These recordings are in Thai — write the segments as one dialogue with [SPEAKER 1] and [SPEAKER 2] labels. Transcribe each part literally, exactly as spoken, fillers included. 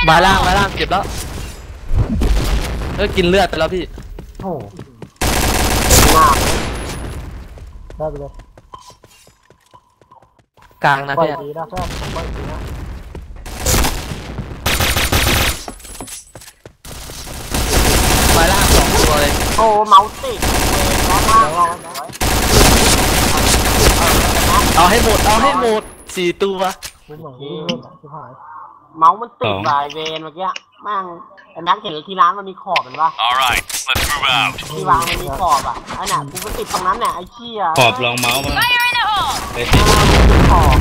[SPEAKER 1] มาล่างมาล่างเจ็บแล้วเออกินเลือดไปแล้วพี่
[SPEAKER 2] โอ้หน้าได้ไปเลย
[SPEAKER 1] กลางนะพี่
[SPEAKER 2] ดีนะแค่ผมก็ดีนะ
[SPEAKER 1] มาล่างสองตัวเลย
[SPEAKER 2] โอ้เมาส์ติด
[SPEAKER 1] เอาให้หมดเอาให้หมดสี่ตัว
[SPEAKER 2] เมาส์มันติดลายเวนเมื่อกี้แม่งไอ้แม็กเห็นที่ร้านมันมีขอบเป็นปะที่วางมันมีขอบอ่ะไอ้น่ะกูมันติดตรงนั้นเนี่ยไอ้เชี่ย
[SPEAKER 3] ขอบรองเมาส์มา
[SPEAKER 2] ไปติดขอบ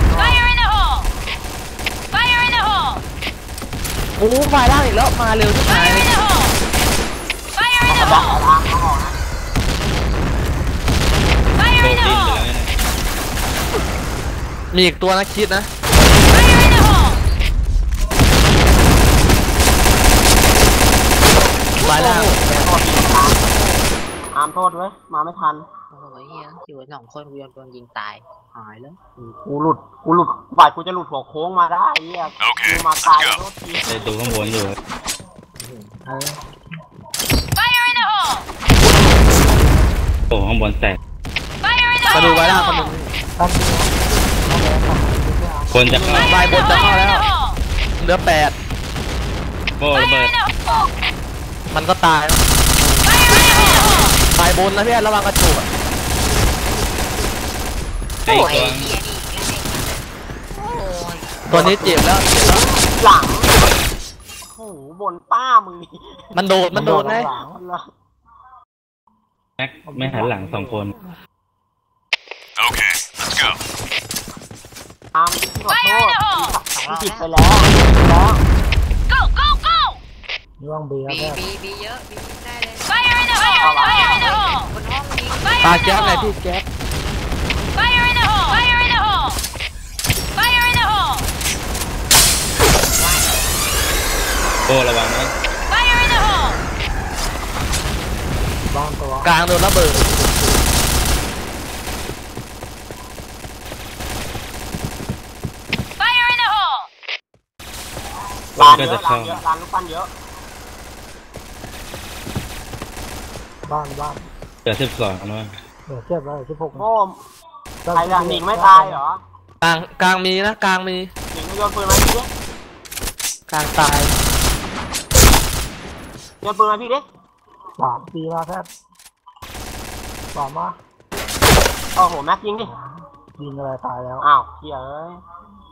[SPEAKER 1] โอ้ไฟล่างอีกแล้วมาเร็วที่ไหน
[SPEAKER 2] ดักทางเขาออกนะ
[SPEAKER 3] โดนดิ้นไปแล้วเนี่ย
[SPEAKER 1] มีอีกตัวนะคิดนะมาแล้ว
[SPEAKER 2] อามโทษเว้ยมาไม่ทัน
[SPEAKER 4] โอ้ยเฮียอยู่สองคนกูโดนยิงตายหายแล้ว
[SPEAKER 2] กูหลุดกูหลุดบ่ายกูจะหลุดหัวโค้งมาได้เฮียกูมาตายโทษที
[SPEAKER 3] ไอตัวข้างบนอยู่โอ้ข้างบนแตก
[SPEAKER 1] มาดูไว้ล่างคนนึง
[SPEAKER 3] คนจะเข้า
[SPEAKER 1] ใบบนจะเข้าแล้วเหลือแปด
[SPEAKER 3] โอ้ระเบิด
[SPEAKER 1] มันก็ตายใบบนนะพี่ระวังกระจุก
[SPEAKER 3] ไอ้ตัว
[SPEAKER 1] ตัวนี้เจ็บแล้วเจ็บแล้ว
[SPEAKER 2] หลังโอ้โหบนป้ามึง
[SPEAKER 1] มันโดดมันโดดไง
[SPEAKER 3] แม็กไม่หันหลังสองคน
[SPEAKER 5] โอเค let's go
[SPEAKER 2] ตามขอโทษผิดไปแล้วแล้ว
[SPEAKER 4] go go go
[SPEAKER 2] ย่องเบียร์
[SPEAKER 4] บีบีบีเยอะบีได้เลย
[SPEAKER 5] Fire in the hole Fire in the hole
[SPEAKER 4] บนห้องยิง
[SPEAKER 1] ตาแก๊สไงพี่แก๊ส
[SPEAKER 5] Fire in the hole Fire in the hole Fire in the hole
[SPEAKER 3] โอ้ระวังนะ
[SPEAKER 5] Fire in the hole
[SPEAKER 2] บ้านตัว
[SPEAKER 1] กลางโดนระเบิด
[SPEAKER 2] ร้านเยอะร้านเยอะร้านลูกปั้นเยอะบ้านบ้าน
[SPEAKER 3] เดี๋ยวสิบสองนะ
[SPEAKER 2] เดี๋ยวเทียบแล้วสิบหกโอ้ใครหนิงไม่ตายเหรอก
[SPEAKER 1] ลางกลางมีนะกลางมี
[SPEAKER 2] หนิงโยนปืนมาพี่ดิ
[SPEAKER 1] กลางตาย
[SPEAKER 2] โยนปืนมาพี่ดิสามปีมาแค่สามมาโอ้โหแม็กยิงดิยิงอะไรตายแล้วอ้าวเหี้ยเอ้ย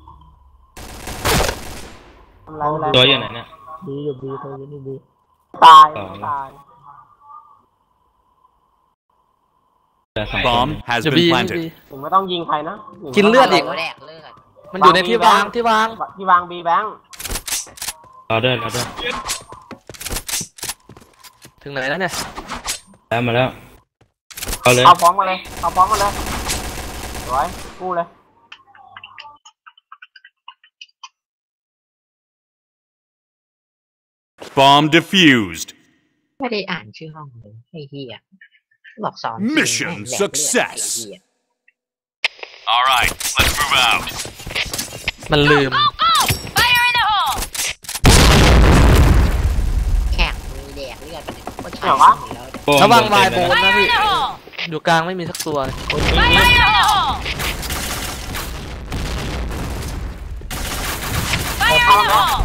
[SPEAKER 3] ตัวอยู่ไหนเนี่ย
[SPEAKER 2] บีอยู่บีตัวอยู่นี่บีตายตาย
[SPEAKER 5] บอม has been planted
[SPEAKER 2] ผมไม่ต้องยิงใครนะ
[SPEAKER 1] กินเลือดอีกมันอยู่ในที่วางที่วาง
[SPEAKER 2] ที่วางบีแบงค์
[SPEAKER 3] รอเดินรอเดิน
[SPEAKER 1] ถึงไหนแล้วเนี่ย
[SPEAKER 3] แล้วมาแล้วเอาเลย
[SPEAKER 2] เอาฟ้องมาเลยเอาฟ้องมาเลยสวยกู้เลย
[SPEAKER 5] Bomb defused
[SPEAKER 4] ไม่ได้อ่านชื่อห้องเลยไอ้เหี้ยบอกสอน
[SPEAKER 5] Mission success All right let's move out
[SPEAKER 1] มันลืม
[SPEAKER 5] Fire in the hole
[SPEAKER 4] แข่งมีแดกเลือดก็ใช่
[SPEAKER 2] วะ
[SPEAKER 1] ระวังวายโบนนะพี่อยู่กลางไม่มีสักตัว
[SPEAKER 5] Fire in the hole Fire in the hole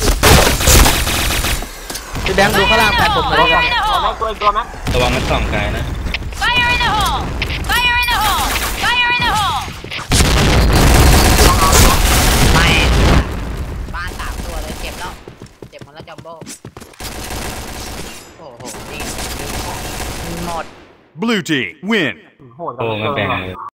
[SPEAKER 1] พี่แบงค์ดูข้างล่างแผนผมเลย
[SPEAKER 2] ระวังตัวตัวไหม
[SPEAKER 3] ระวังมันส่องไกลนะ
[SPEAKER 5] Fire in the hole Fire in the hole Fire in the hole
[SPEAKER 4] ไม่บ้านสามตัวเลยเจ็บแล้วเจ็บหมดแล้วจัมโบ้โอ้โหนี่หมด
[SPEAKER 5] Blue team win
[SPEAKER 2] โหด
[SPEAKER 3] โอ้มันแบ่งเลย